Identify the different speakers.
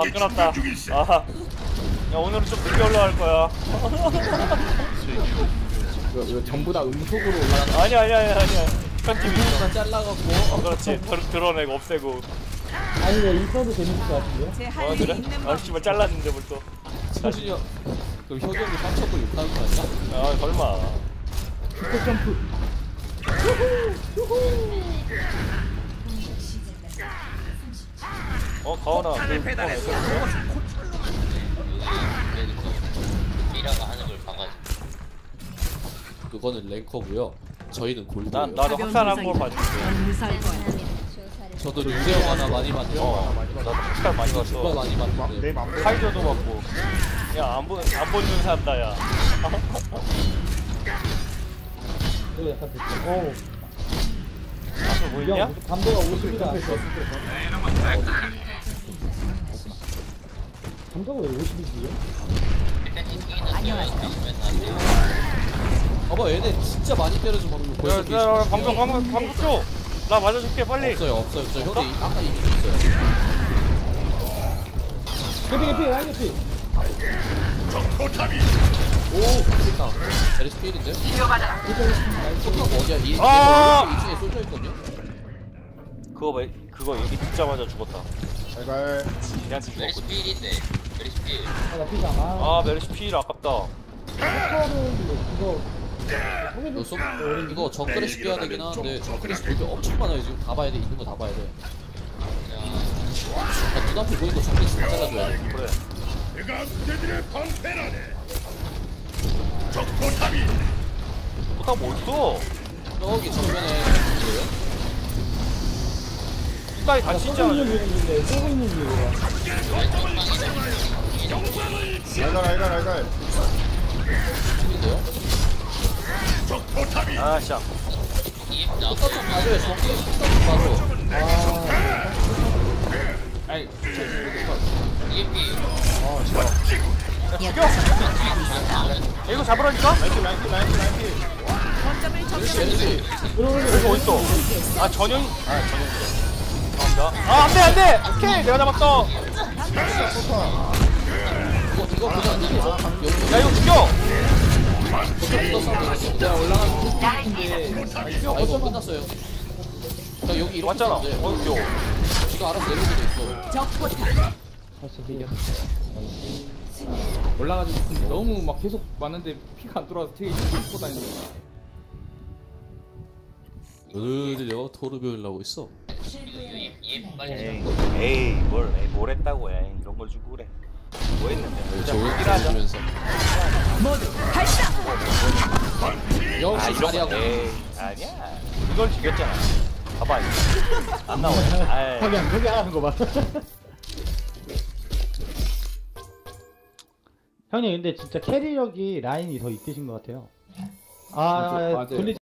Speaker 1: 끊었다. 아, 야 오늘은 좀 늦게 올라갈 거야.
Speaker 2: 이거 전부 다 음속으로 올라가는
Speaker 1: 아니야. 편집이 있어.
Speaker 2: 거 잘라갖고
Speaker 1: 그렇지. 드러내고 없애고.
Speaker 3: 아니 왜 있어도 재밌을 것 같은데요?
Speaker 1: 그래? 아 씨발 잘랐는데 벌써.
Speaker 2: 서준이 형 그럼 효경이 3첩을 욕하는 거 아니야?
Speaker 1: 아 설마.
Speaker 3: 슈퍼 점프.
Speaker 1: 가오나 그
Speaker 4: 미라가 하는 걸 봐가지고.
Speaker 2: 그거는 랭커고요. 저희는 골드예요.
Speaker 1: 나도 확산한 걸 봤는데.
Speaker 2: 저도 류재형 하나 많이 봤죠.
Speaker 1: 나도 확산 많이
Speaker 2: 정말
Speaker 1: 봤어.
Speaker 2: 많이 봤는데.
Speaker 1: 카이저도 봤고. 야안 보는 산다 야.
Speaker 3: 이거 약간 됐죠.
Speaker 1: 앞에 뭐 있냐?
Speaker 3: 감도가 50이다. 감도가 왜 50이지?
Speaker 2: 봐봐 얘네 진짜 많이 때려줘 방금.
Speaker 1: 야, 방금 줘. 나 맞아줄게 빨리.
Speaker 2: 없어요. 저 형이 아까 이미 있어요.
Speaker 3: 개피 라인 개피.
Speaker 2: 오, 그러니까 제리스 필인데? 포탑 어디야? 이 중에 쏠져 있거든요?
Speaker 1: 그거 여기 듣자마자 죽었다.
Speaker 5: 제발.
Speaker 1: 걔한테
Speaker 4: 메리시
Speaker 1: 죽었거든.
Speaker 4: 필인데. 메리시 필.
Speaker 3: 나 피잖아.
Speaker 1: 아 메르시 필 아깝다.
Speaker 2: 이거 정크래시 깨야 되긴 하는데 정크래시 볼게 엄청 많아요. 지금 다 봐야 돼. 있는 거 다 봐야 돼. 눈앞에 보이는 거 정크래시 다 잘라줘야 돼.
Speaker 1: 그래. 포탑 뭐 있어?
Speaker 2: 저기 정면에 뭐예요?
Speaker 1: 뚜따이 다
Speaker 3: 쏘고
Speaker 1: 진짜.
Speaker 3: 있는 중인데 쏘고 있는 중이야.
Speaker 5: 알갈.
Speaker 2: 팀인데요?
Speaker 1: 아 씨.
Speaker 2: 포탑 좀 봐줘요. 정크래시 포탑 좀 봐줘.
Speaker 1: 아니
Speaker 4: EMP.
Speaker 1: 죽여. 이거 잡으라니까?
Speaker 2: 제리스
Speaker 1: 이거 어딨어? 전형이. 감사합니다. 안돼. 오케이 내가 잡았어.
Speaker 2: 이거 그냥
Speaker 1: 야 이거 죽여.
Speaker 2: 내가 올라가는 데 이거 끝났어요. 자 여기 이렇게
Speaker 1: 맞잖아.
Speaker 2: 있는데
Speaker 1: 귀여워.
Speaker 2: 이거 알아서 내릴 수도 있어.
Speaker 3: 벌써 비겼어.
Speaker 5: 올라가지고 너무 막 계속 왔는데 피가 안 돌아와서 되게 힘들고 다니는 거야.
Speaker 2: 어디려 토르비온을 하고 있어.
Speaker 4: EMP 빨리.
Speaker 1: 에이 뭘 했다고 해. 이런 걸 주고 그래. 뭐 했는데?
Speaker 2: 좋은
Speaker 1: 일 하자.
Speaker 2: 주면서 역시
Speaker 1: 이런
Speaker 2: 자리하고
Speaker 1: 거. 에이 아니야. 이걸 죽였잖아. 봐봐 이거. 안 나오네. 아이.
Speaker 3: 거기 안 하는 거 봐. 형님 근데 진짜 캐리력이 라인이 더 있으신 것 같아요.
Speaker 5: 맞아요.
Speaker 3: 돌리